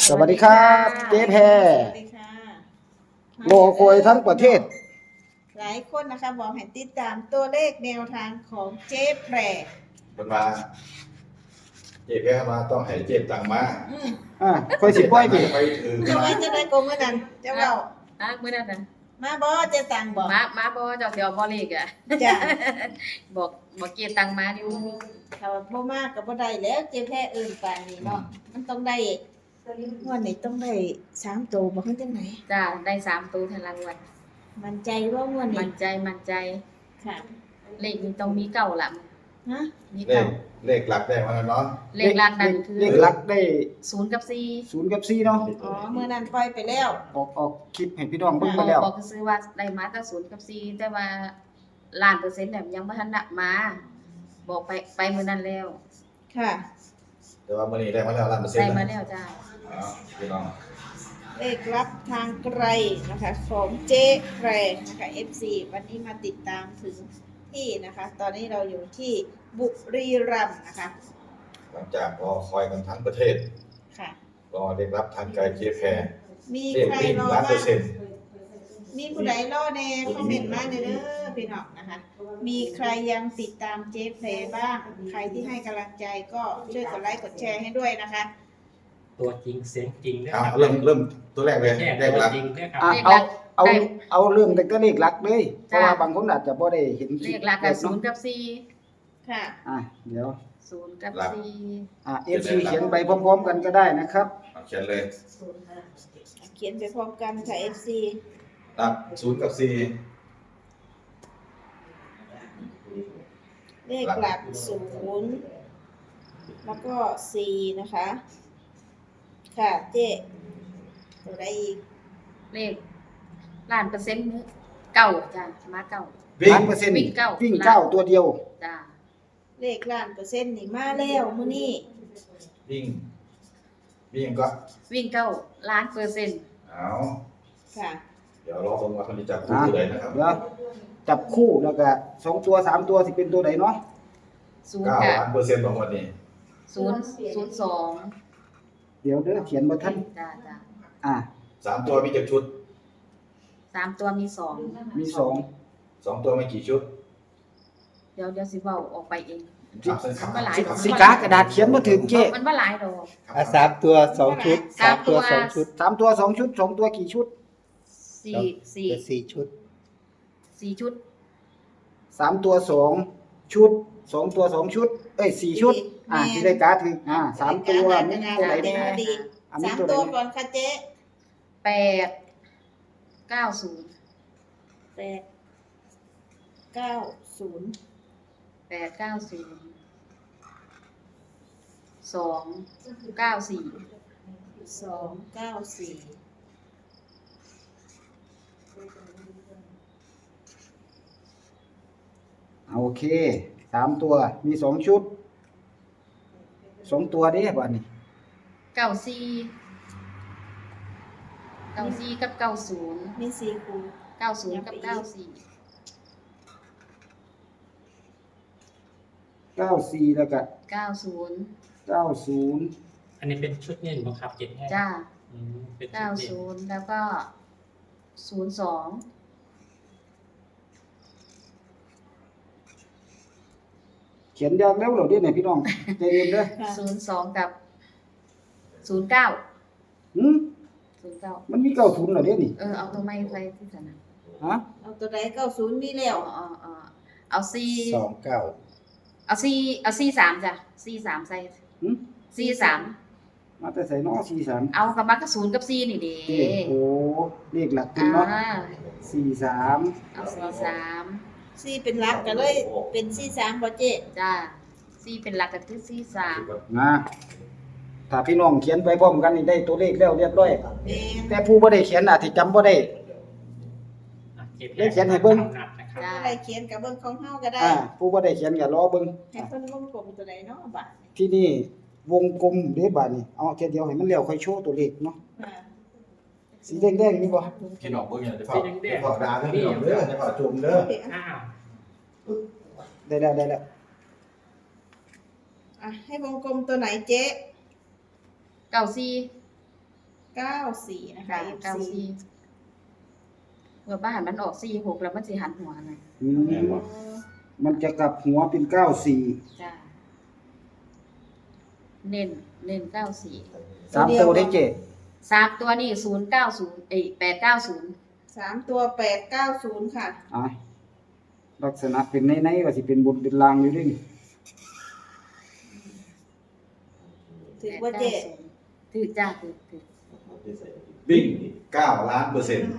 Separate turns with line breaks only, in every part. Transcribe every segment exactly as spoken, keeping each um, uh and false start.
สวัสดีครับเจ๊แพร
สวัสดีค่ะ
โลโคยทั้งประเทศ
หลายคนนะคะบอกให้ติดตามตัวเลขแนวทางของเจ๊แพร
มันมาเจ็บแค่มาต้องให้เจ็บตังมา
อืม
อ่าค่อยสิปล่อยไป
ไปถือ
จะ
มา
ไว้จะได้โกงเมื่อนั้นเจ้าเล่า
อ่ะมื้อนั้นน่ะ
มาบ่เจ๊ตังบอก
มามาบ่เจ้าสิเอาบ่เลขอ่ะ
จ้ะ
บอกบอกเกียรตังมาอยู่
ถ้าบ่มากก็บ่ได้แล้วเจ๊แพรเอิ่นปานนี้เนาะมันต้องได้งวดนี้ต้องได้สามตัวบ่คือจังไหน
จ้าได้สามตัวทันรางวัล
มั่นใจว่างวดนี้
มั่นใจมั่นใจ
ค่ะ
เลขนี้ต้องมีเก้าหลัง
ฮะ
มี
เล
เก้า
ขเลขหลักได้มาแล้วเนาะ
เลขหลักนั่นคือ
เลขหลักได้
ศูนย์กับสี่
ศูนย์กับสี่เนาะ
อ๋อเมื่อนั้นปล่อยไปแล้ว
ออกออกคลิปให้พี่น้องเบิ่ง
บ
ไป
อก
แล้ว
บอกซื้อว่าได้มาแต่ศูนย์กับสี่แต่ว่าล้านเปอร์เซ็นต์เนี่ยยังบ่ทันได้มา บอกไปไปมื้อนั้นแล้ว
ค่ะ
แต่ว่ามื้อนี้ได้มาแล้วล้านเปอร์เซ็น
ได้
ต์
มา
นะ
แล้วจ้า
อ๋อพี่น้อง
เลขรับทางไกลนะคะของเจ๊แพรนะคะ เอฟ ซี วันนี้มาติดตามถึงที่นะคะ ตอนนี้เราอยู่ที่บุรีรัมย์นะคะ
หลังจากรอคอยกันทั้งประเทศ
ค่ะ
รอเด็กรับทางไกลเจแพร
มี
เลข
ใคร
วิ่ง
รอ
ล้านเปอ
บ้าง
ร์เซ็นต์
มีผู้ใดรอแน่คอมเมนต์มาเด้อพี่น้องนะคะ มีใครยังติดตามเจ๊แพรบ้าง ใครที่ให้กำลังใจก็ช่วยกดไลค์กดแชร์ให้ด้วยนะคะ
ตัวจริงเสียงจริงนะ
เอา
ครับ
เริ่มเริ่มตัวแรกเลย
แค่
เลข
ตัว
หลัก
จริงเนี่ยครับ
อ่ะเอาเอาเอาเรื่องแต่ก็เลขหลักเลยเพราะว่าบางคนอาจจะบ่ได้เห็นค
เล
ลิป
ขหลัก
แบ
ก็
บ
ศู
เนาะ
นย์กับสี่
ค่ะ
อ่ะเดี๋ยว
ศูนย์กับสี่
อ่ะ เอฟ ซี เขียนไปพร้อมๆกันก็ได้นะครับ
เอาเขียนเลย
เขียนไปพร้อมกันค่ะ เอฟ ซี
หลักศูนย์กับสี่
เลขหลักศูนย์แล้วก็สี่นะคะ ค่ะเจ๊ตัวใดอีก
เลขล้านเปอร์เซ็นต์มื้อเก้าจ้ามาเก้า
วิ่ง
ล้านเปอร์เซ็นต์
วิ่งเก้า
วิ่งเก้าตัวเดียว
จ้า
เลขล้านเปอร์เซ็นต์นี่มาแล้วมื้อนี้
วิ่งวิ่งก็
วิ่งเก้าล้านเปอร์เซ็นต์
เอา
ค่ะ
เดี๋ยวรอฟังว่าคนจะจับคู่
อ่ะ
ตัวใดนะครับ
เดี๋ยวจับคู่แล้วก็สองตัวสามตัวสิเป็นตัวไหนเนาะ
ศูนย์
เก้า
กับ
ล้านเปอร์เซ็นต์ของวันนี้
ศูนย์ศูนย์สอง
เดี๋ยวเด้อเขียนบ่ทัน
จ้าจ้า
อ่ะ
สามตัวมีกี่ชุด
สามตัวมีสอง
มีสอง
สองตัวมีกี่ชุด
เดี๋ยวเดี๋ยวสิเว้าออกไปเอง
ครับเส้นขาว
ก็หลาย
ครับ
สิกากระดาษเขียนบ่ถึงเจ๊
มันบ่หลายดอก
อ่ะสามตัวสองชุด
สามตัว
สองชุด
สามตัวสองชุดสองตัวกี่ชุด
สี่สี่
เป็นสี่ชุด
สี่ชุด
สามตัวสองชุดสองตัวสองชุด เอ้ยสี่ชุด อ่าที่ได้การ์ดถึงอ่าสามตัวมีตัวไหนแน่
ดี
อ่ะมี
สาม
ตัวไหน
ตัว
แน่
ก่อนค่ะเจ๊
แปดเก้าศูนย์
แปดเก้าศูนย์
แปดเก้าศูนย์สองเก้าสี่
สองเก้าสี่
โอเคสามตัวมีสองชุดสองตัวเด้บ่นี่
เก้าสี่เก้าสี่กับเก้าศูนย์
มีสี่คู
เก้าศูนย์กับเก้าสี่
เก้าสี่แล้วก็
เก้าศูนย์
เก้าศูนย์
อันนี้เป็นชุดเน้นบังคับเจ็ดแห้ง
จ้า
อืมเป็นชุ
เก้า
ดเน้น
ศูนย์แล้วก็ศูนย์สอง
เขียนยากแล้วเหรอเด้เนี่ยพี่น้องใจเย็นเด้อ
ค่ะ
ศูนย์สองกับศูนย์เก้า
หืม
ศูนย์เก้า
มันมีเก้าศูนย์เหรอเด้นี่
เออเอาตัวไม้ไปที่สนาม
ฮะ
เอาตัวใดเก้าศูนย์มีแล้ว
เอาเอาเอาเอาสี่
สองเก้า
เอาสี่เอาสี่สามจ้ะสี่สามใส่
หืม
สี่สาม
มาแต่ใส่น้อสี่สาม
เอากับมากระศูนย์กับสี่นี่เด้
เด้โอ้เลขหลักขึ้น
อ่า
เนาะสี่สาม
เอาสี่สาม
สี่เป็นหลักก็เลยเป็นสี่สามบ่เจ๊
จ้าสี่เป็นหลักก็คือสี่สาม
นะถ้าพี่น้องเขียนไปพร้อมกันนี่ได้ตัวเลขแล้วเรียบร้อย
แม่น
แต่ผู้บ่ได้เขียนอาจสิจำบ่ได้
อ่ะเจ็ด
เลขเขียนให้เบิ่ง
นัดนะครับ
จ้า
อะไรเขียนกับเบิ่งของเฮาก็ได้
อ่าผู้บ่ได้เขียนก็รอเบิ่ง
ให้เพิ่นวงกลมตัวใดเนาะบัด
ที่นี่วงกลมเด้บาดนี้เอาแค่เดียวให้มันแล้วค่อยโชว์ตัวเลขเนาะ
ค่ะ
สีแดงๆนี่บ่
พี่น้องเบิ่งอย่างจะเผาจะเผาดาเด้อพี่น้องเด้อจะเผาจุ่มเด้อ
อ้าว
ได้แล้วได้แล้ว
อ่ะให้วงกลมตัวไหนเจ๊
เก้าสี่
เก้าสี่นะคะ
ค่ะ
เอฟ
เก้า
ซี
สี่เมื่อบ้านมันออกสี่หกแล้วมันสิหันหัวไง
อืมมันจะกลับหัวเป็นเก้าสี่
จ้าเน้นเน้นเก้าสี่
สามตัวได้เจ๊
สามตัวนี่ศูนย์เก้าศูนย์เอ้แปดเก้าศูนย์
สามตัวแปดเก้าศูนย์ค่ะ
อ่ะลักษณะเป็นในๆว่าสิเป็นบนเป็นลางอยู่ด้วยนี่
ถือว่าเจ๊
ถือจ้าถือถือ
วิ่งเก้าล้านเปอร์เซ็นต์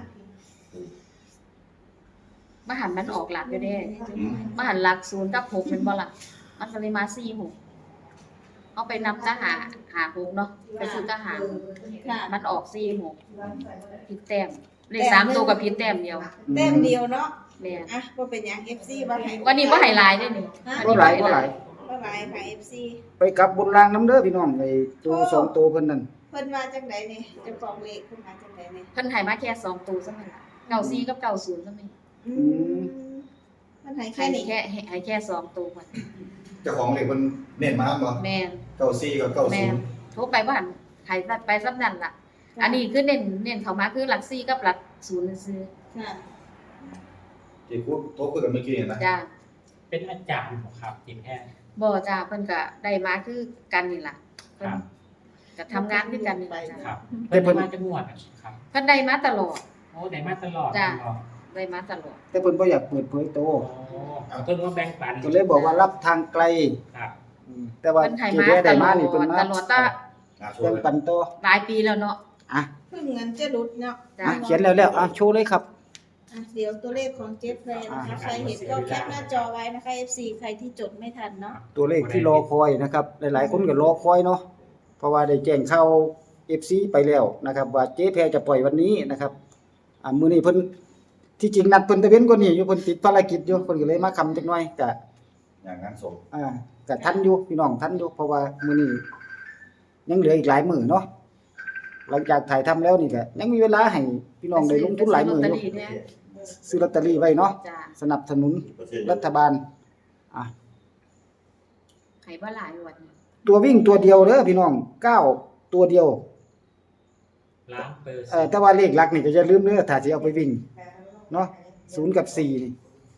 มหันมันออกหลักอยู่เด้มหันหลักศูนย์กับหกเป็นบ่หลักมันก็เลยมาสี่หกเอาไปนำทหารหาหกเนาะไปซื้อทหาร
ค่ะ
มันออกสี่หกผิดแต้มเลขสามตัวกับผิดแต้มเดียว
แต้มเดียวเนาะ
แม่น
อ่ะว่าเป็นหยัง เอฟ ซี ว่าให้
วันนี้ว่าไฮไลท์ด้วยนี่
บ่หลายบ่หลาย
ว่าหลายค่ะ เอฟ ซี
ไปกลับบนรางน้ำเด้อพี่น้องไอ้ตัวสองตัวเพิ่นนั่น
เพิ่นว่าจังไดนี่เจะของเลขเพิ่นว่าจังไดนี่
เพิ่นให้มาแค่สองตัวซะมั้ยล่ะเก้าสี่กับเก้าศูนย์ซะมั้ย
อืมเพิ่นให้
ให้
แค่นี้
แค่ให้แค่สองตัวก่อน
เจ้าของเหล็กมันเน้นมาบ่
แม่น
เก้าสี่กับเก้า
แม่
ศูน
น
ย์
โทรไปบ่หันให้ไปซับนั่นล่ะ อันนี้คือเน้นเน้นเข้ามาคือหลักสี่กับหลักศูนย์ซื่อ
ค่ะ
ที่พูดโทรคุยกันเมื่อกี้นะ
จ้า
เป็นอาจารย์ของครับทีมแพทย์
บ่จ้าเพิ่นก็ได้มาคือกันนี่ล่ะ
ค
เพิ่น
รับ
ก็ทำงานด้วยกันนี่ล่ะจ้ะ
ครับเพิ่นมาจะงวดอะครับ
เพิ่นได้มาตลอด
โอ้ได้มาตลอด
จ้ะ
ตลอด
ได้มาตลอด
แต่เพิ่นบ่อยากเปิดเผยโตว
โอ้เพิ่นว่าแบ่งปัน
ก็เลยบอกว่ารับทางไกล
ครับ
อืมแต่ว่า
เพิ่นให้
เจ๊
มา
แพ้
ต
ได้
ล
มา
อด
นี่เพิ่นมา
ตลอดตั้ง
อ่ะโช
แบ่
ว์
ง
เลย
ปันต่อ
หลายปีแล้วเนาะ
อ่ะ
เพิ่งเงินจะหลุดเนาะ
จ้ะ
อ่ะเขียนแล้วแล้วอ่ะโชว์เลยครับ
อ่ะเดี๋ยวตัวเลขของเจฟแพรนะคะ ใครเห็นก็แคปหน้าจอไว้นะคะ เอฟ ซี ใครที่จดไม่ทันเนาะ
ตัวเลขที่รอคอยนะครับ หลายๆคนก็รอคอยเนาะเพราะว่าได้แจ้งข่าว เอฟ ซี ไปแล้วนะครับ ว่าเจ๊แพรจะปล่อยวันนี้นะครับอ่ามื้อนี้เพิ่นที่จริงนัดเพิ่นตะเว้นกว่านี้อยู่เพิ่นติดภารกิจอยู่เพิ่นก็เลยมาค่ำจักหน่อยก็
อย่างนั้นส่ง
อ่าก็ทันอยู่พี่น้องทันอยู่เพราะว่ามื้อนี้ยังเหลืออีกหลายมื้อเนาะหลังจากถ่ายทำแล้วนี่ก็ยังมีเวลาให้พี่น้องได้ลงทุนหลายมื้อ
ซื้
อ
ล
ยู่
ตเตอรี่เนี่ย
ซื้อลอตเตอรี่ไว้เนาะ
จ้ะ
สนับสนุนรัฐบาลอ่ะ
ให้บ่หลายงวดนี่
ตัววิ่งตัวเดียวเด้อพี่น้องเก้าตัวเดียว
ล้านเปอร์
เอ่
เซ็
อน
ต์
แต่ว่าเลขหลักนี่ก็อย่าลืมเด้อถ้าสิเอาไปวิ่งเนาะศูนย์กับสี่นี่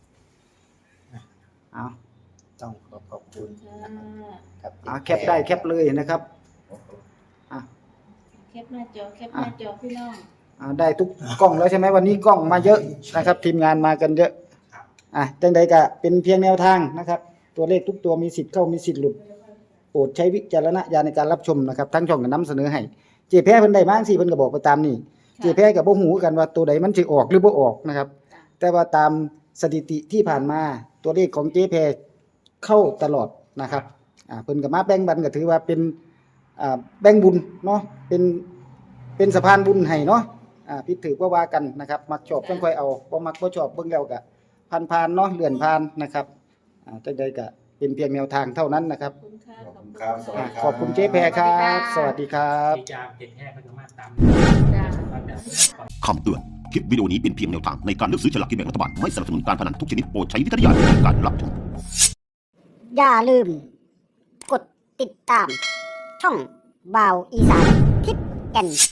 เอา
ต้องขอขอบคุณ
ค่ะ
ครับ
อ่ะแคปได้แคปเลยนะครับอ่ะ
แคปหน้าจอ แคปหน้าจอพี่น้อง
อ่าได้ทุกกล้องแล้วใช่ไหมวันนี้กล้องมาเยอะนะครับ ทีมงานมากันเยอะอ่ะจังใดก็เป็นเพียงแนวทางนะครับ ตัวเลขทุกตัวมีสิทธิ์เข้ามีสิทธิ์หลุดโปรดใช้วิจารณญาณในการรับชมนะครับทั้งช่องก็นำเสนอให้เจแพ้เพิ่นได้มาจังซี่เพิ่นก็บอกไปตามนี่เจแพ้ก็บ่ฮู้กันว่าตัวใดมันสิออกหรือบ่ออกนะครับ แต่ว่าตามสถิติที่ผ่านมาตัวเลขของเจแพ้เข้าตลอดนะครับอ่าเพิ่นก็มาแบ่งบันก็ถือว่าเป็นอ่าแบ่งบุญเนาะเป็นเป็นสะพานบุญให้เนาะอ่าผิดถือบ่ว่ากันนะครับมักชอบจังค่อยเอาบ่มักบ่ชอบเบิ่งแล้วก็ผ่านๆเนาะเลื่อนผ่านนะครับอ่าจังใดก็เป็นเพียงแนวทางเท่านั้นนะครับ
ขอบคุณค่ะ
ขอบคุณครับสวัส
อ่า
ดีครับ
ขอบคุณเจ๊แพรครับ สวัสดีครับ
ที่จะเป็นแพทย์เพิ่นก็มาตาม
จ้ะ
ว่าจะ
คำเตือน คลิปวิดีโอนี้เป็นเพียงแนวทางในการเลือกซื้อฉลากกินแบ่งรัฐบาล ไม่สนับสนุนการพนันทุกชนิดโปรดใช้วิจารณญาณในการรับชม
อย่าลืม กดติดตาม ช่องบาวอีสานทิปแก่น